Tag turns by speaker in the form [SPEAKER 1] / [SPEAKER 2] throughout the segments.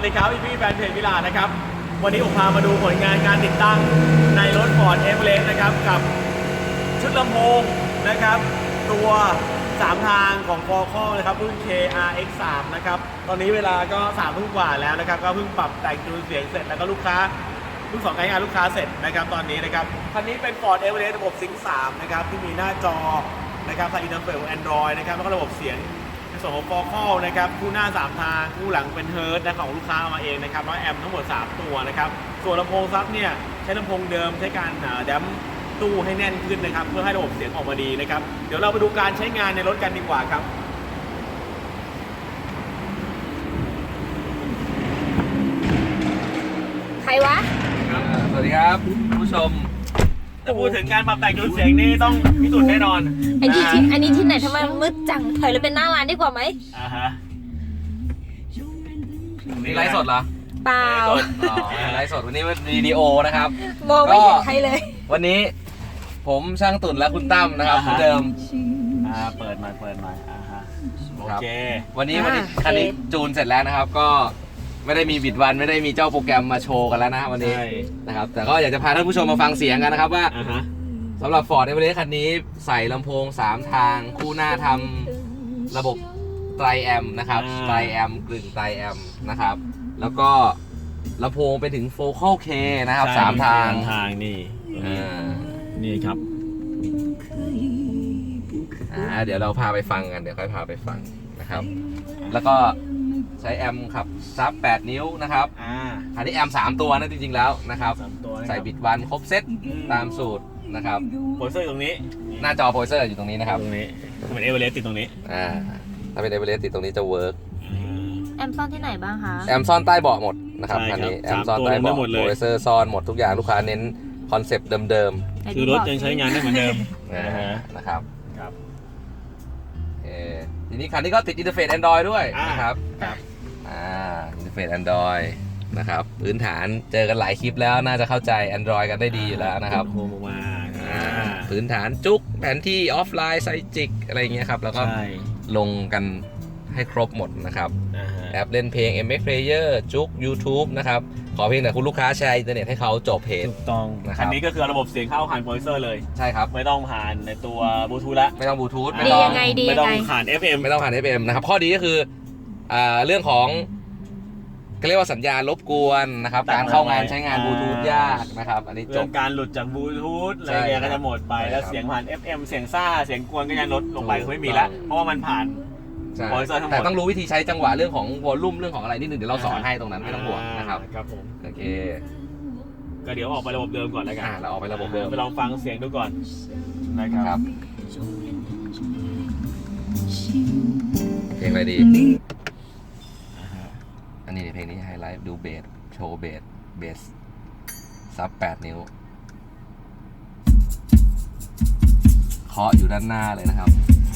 [SPEAKER 1] ดีครับพี่แฟนเพจวิลานะครับวันนี้ผมพามาดูผลงานการติดตั้งในรถ Ford Everest นะครับกับชุดลำโพงนะครับตัว3ทางของ Qualcomm นะครับรุ่น KRX3 นะครับตอนนี้เวลาก็3 ทุ่มกว่าแล้วนะครับก็เพิ่งปรับแต่งจูนเสียงเสร็จแล้วก็ลูกค้าเพิ่งใช้งานลูกค้าเสร็จนะครับตอนนี้นะครับคันนี้เป็น Ford Everest ระบบ Sync 3นะครับที่มีหน้าจอนะครับใส่อินเทอร์เฟซ Android นะครับแล้วก็ระบบเสียงในส่วนของ Qualcomm นะครับคู่หน้า3ทางคู่หลังเป็น Hertz นะของลูกค้าเอามาเองนะครับแล้วแอมป์ทั้งหมด3ตัวนะครับส่วนลำโพงซับเนี่ยใช้ลำโพงเดิมใช้การแดมตู้ให้แน่นขึ้นนะครับเพื่อให้ระบบเสียงออกมาดีนะครับเดี๋ยวเราไปดูการใช้งานในรถกันดีกว่าครับ
[SPEAKER 2] ใครวะ
[SPEAKER 3] สวัสดีครับผู้ชม
[SPEAKER 1] ถ้าพูดถึงการปรับแต่งจูนเสียงนี่ต้องพิสูจน์แน่นอน
[SPEAKER 2] อันนี้ที่ไหนทำไมมืดจังถอยเลยเป็นหน้าร้านดีกว่าไหม
[SPEAKER 1] ฮะ
[SPEAKER 3] นี่ไลฟ์สดเหรอ
[SPEAKER 2] เปล่า
[SPEAKER 3] อ๋อไลฟ์สดวันนี้เป็นวิดีโอนะครับ
[SPEAKER 2] มองไม่เห็นใครเลย
[SPEAKER 3] วันนี้ผมช่างตุ่นและคุณตั้มนะครับเหมือนเดิม
[SPEAKER 1] เปิดมาฮะโอเค
[SPEAKER 3] วันนี้คันนี้จูนเสร็จแล้วนะครับ ก็ไม่ได้มีบิดวันไม่ได้มีเจ้าโปรแกรมมาโชว์กันแล้วนะวันนี้
[SPEAKER 1] ใช่
[SPEAKER 3] นะครับแต่ก็อยากจะพาท่านผู้ชมมาฟังเสียงกันนะครับว่า
[SPEAKER 1] ฮะ
[SPEAKER 3] สำหรับ Ford Everest คันนี้ใส่ลำโพง3ทางคู่หน้าทำระบบไตรแอมป์นะครับไตรแอมป์กลึงไตรแอมป์นะครับแล้วก็ลำโพงไปถึง Focal K นะครับ3ทาง
[SPEAKER 1] นี่
[SPEAKER 3] นี่
[SPEAKER 1] ครับ
[SPEAKER 3] เดี๋ยวเราพาไปฟังกันเดี๋ยวค่อยพาไปฟังนะครับแล้วก็ใช้แอมป์ขับซับ8 นิ้วนะครับอันนี้แอมป์3ตัวนะจริงๆแล้วนะครับใส่บิดวันครบเซตตามสูตรนะครับ
[SPEAKER 1] โพลเซอร์ตรงนี้
[SPEAKER 3] หน้าจอโพลเซอร์อยู่ตรงนี้นะครับ
[SPEAKER 1] ตรงนี้เหมือนเอเวอเรสต์ติดตรงนี้
[SPEAKER 3] ถ้าเป็นเอเวอเรสต์ติดตรงนี้จะเวิร์ก
[SPEAKER 2] แอมซ่อนที่ไหนบ้างคะ
[SPEAKER 3] แอมซ่อนใต้เบาะหมดนะครับคันนี้แอมซ่อนใต้เบาะโพลเซอร์ซ่อนหมดทุกอย่างลูกค้าเน้นคอนเซปต์เดิม
[SPEAKER 1] ๆคือรถยังใช้งานได้เหมือนเดิม
[SPEAKER 3] นะครับทีนี้คันนี้ก็ติดอินเทอร์เฟซ Android ด้วยนะครับอินเทอร์เฟซ Android นะครับพื้นฐานเจอกันหลายคลิปแล้วน่าจะเข้าใจ Android กันได้ดีอยู่แล้วนะครับ
[SPEAKER 1] โฮมมา
[SPEAKER 3] พื้นฐานจุกแผนที่ออฟไลน์ไซจิกอะไรเงี้ยครับแล้วก็ลงกันให้ครบหมดนะครับแอปเล่นเพลง MX Player จุก YouTube นะครับขอเพียงแต่คุณลูกค้าแชร์อินเทอร์เน็ตให้เขาจบเพจ
[SPEAKER 1] ถูกต้องอันนี้ก็คือระบบเสียงเข้าผ่านโพลเซอร์เลย
[SPEAKER 3] ใช่ครับ
[SPEAKER 1] ไม่ต้องผ่านในตัวบลูทูธแล้ว
[SPEAKER 3] ไม่ต้องบลูทูธ
[SPEAKER 2] ดียังไง
[SPEAKER 1] ไม่ต้องผ่าน FM
[SPEAKER 3] ไม่ต้องผ่าน FM นะครับข้อดีก็คือเรื่องของเรียกว่าสัญญาณรบกวนนะครับการเข้างานใช้งานบลูทูธยากนะครับอันนี้จบ
[SPEAKER 1] การหลุดจากบลูทูธอะไรเงี้ยก็จะหมดไปแล้วเสียงผ่าน FM เสียงซ่าเสียงกวนก็จะลดลงไปไม่มีแล้วเพราะว่ามันผ่าน
[SPEAKER 3] แต่ต้องรู้วิธีใช้จังหวะเรื่องของวอลลุ่มเรื่องของอะไรนิดนึงเดี๋ยวเราสอนให้ตรงนั้นไม่ต้องห่วงนะครับ
[SPEAKER 1] ครับผม
[SPEAKER 3] โอเค
[SPEAKER 1] ก็เดี๋ยวออกไประบบเดิมก่อนแล้วกัน
[SPEAKER 3] เราออกไประบบเดิม
[SPEAKER 1] ไปลองฟังเสียงดูก่อนนะครับ
[SPEAKER 3] เพลงอะไรดีอันนี้เพลงนี้ไฮไลท์ดูเบสโชว์เบสซับ8 นิ้วเคาะอยู่ด้านหน้าเลยนะครับ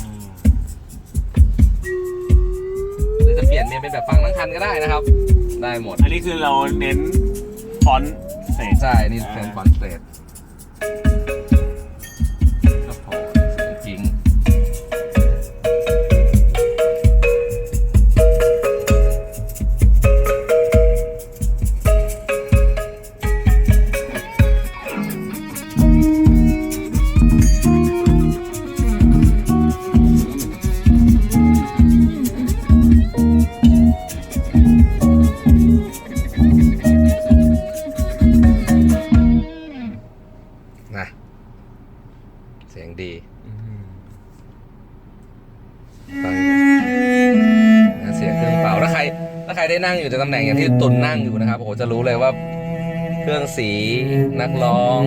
[SPEAKER 3] หรือจะเปลี่ยนเมนเป็นแบบฟังทั้งคันก็ได้นะครับได้หมด
[SPEAKER 1] อันนี้คือเราเน้นฟอนต์เศษ
[SPEAKER 3] ใช่นี่เป็นฟอนต์เศษครับผมจริงเสียงดีฟังเสียงเครื่องเป่าถ้าใครได้นั่งอยู่ในตำแหน่งอย่างที่ตุ่นนั่งอยู่นะครับโอ้โหจะรู้เลยว่าเครื่องสีนักร้อง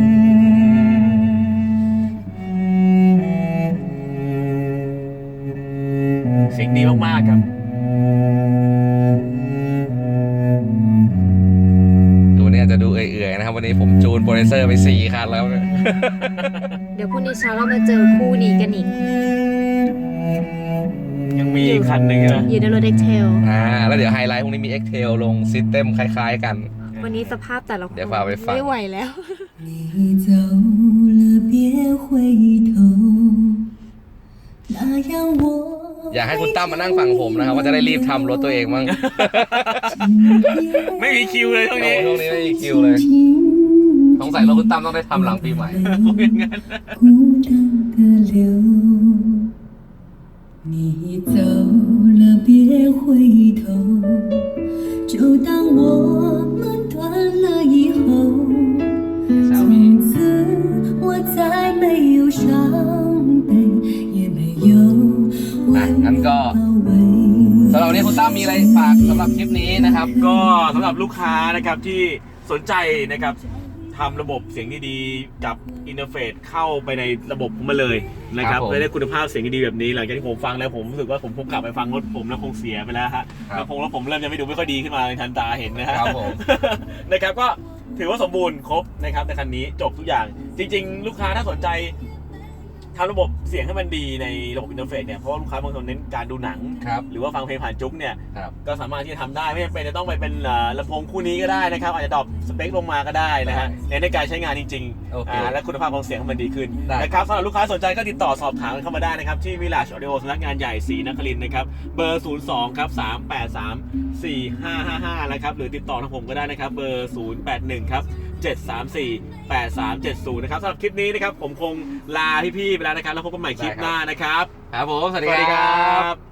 [SPEAKER 1] เสียงดีมากๆครับ
[SPEAKER 3] ตัวนี้จะดูเอื่อยๆนะครับวันนี้ผมจูนโปรเซสเซอร์ไป4 คันแล้ว
[SPEAKER 2] เดี๋ยวพรุ่งนี้เช้าเรามาเจอคู่นี้กันอีก
[SPEAKER 1] ยังมีอีกคันหนึ่งนะ
[SPEAKER 2] อยู่ในรถ X-Tail
[SPEAKER 3] แล้วเดี๋ยวไฮไลท์พรุ่งนี้มี X-Tail ลงซิสเต็มคล้ายๆกัน
[SPEAKER 2] วันนี้สภาพแต่ละคน
[SPEAKER 3] เดี๋ยวพาไปฟัง
[SPEAKER 2] ไม่ไหวแล้ว
[SPEAKER 4] 那样我
[SPEAKER 3] อยากให้คุณตั้มมานั่งฟังผมนะครับว่าจะได้รีบทำรถตัวเองบ้าง
[SPEAKER 1] ไม่มีคิวเลยช่วงนี้
[SPEAKER 3] ช่วงนี้ไม่มีคิวเลยสงสัยรถคุณตั้มต้องได้ทำหลังปีใหม่
[SPEAKER 1] คงอย่างนั้น
[SPEAKER 4] 孤单的流，你走了别回头，就当我们断了以后，从此我再没有伤悲，也没有为我包围。
[SPEAKER 3] สำหรับวันนี้คุณตั้มมีอะไรฝากสำหรับคลิปนี้นะครับ
[SPEAKER 1] ก็สำหรับลูกค้านะครับที่สนใจนะครับทำระบบเสียงดีๆกับอินเทอร์เฟซเข้าไปในระบบผมมาเลยนะครับ
[SPEAKER 3] ครับผม
[SPEAKER 1] และได้คุณภาพเสียงดีๆแบบนี้หลังจากที่ผมฟังแล้วผมรู้สึกว่าผมคงกลับไปฟังรถผมแล้วคงเสียไปแล้วฮะ
[SPEAKER 3] ครับ
[SPEAKER 1] แล้วผมเริ่มจะไม่ดูไม่ค่อยดีขึ้นมาในทันตาเห็นนะฮะ
[SPEAKER 3] ครับผม
[SPEAKER 1] นะครับก็ถือว่าสมบูรณ์ครบนะครับในคันนี้จบทุกอย่าง จริง ๆ ลูกค้าถ้าสนใจทำระบบเสียงให้มันดีในระบบอินเทอร์เฟซเนี่ยเพราะว่าลูกค้าบางคนเน้นการดูหนัง
[SPEAKER 3] ครับ
[SPEAKER 1] หรือว่าฟังเพลงผ่านจุ๊กเนี่ย
[SPEAKER 3] ครับ
[SPEAKER 1] ก็สามารถที่จะทำได้ไม่จำเป็นจะต้องไปเป็นลำโพงคู่นี้ก็ได้นะครับอาจจะดรอปสเปคลงมาก็ได้นะฮะในการใช้งานจริง
[SPEAKER 3] โอเค
[SPEAKER 1] และคุณภาพของเสียงมันดีขึ้น
[SPEAKER 3] ได้
[SPEAKER 1] นะครับสำหรับลูกค้าสนใจก็ติดต่อสอบถามกันเข้ามาได้นะครับที่ Village Audio สำนักงานใหญ่ศรีนครินทร์นะครับเบอร์ 02 ครับ 383 4555 นะครับหรือติดต่อทางผมก็ได้นะครับเบอร์ 081 ครับ 734-8370 นะครับสำหรับคลิปนี้นะครับผมคงลาพี่ๆไปแล้วนะครับแล้วพบกันใหม่คลิปหน้านะครับ
[SPEAKER 3] ครับผม สวัส
[SPEAKER 1] ส
[SPEAKER 3] ดี
[SPEAKER 1] วัสดี
[SPEAKER 3] ค
[SPEAKER 1] ค
[SPEAKER 3] รั
[SPEAKER 1] รับ บ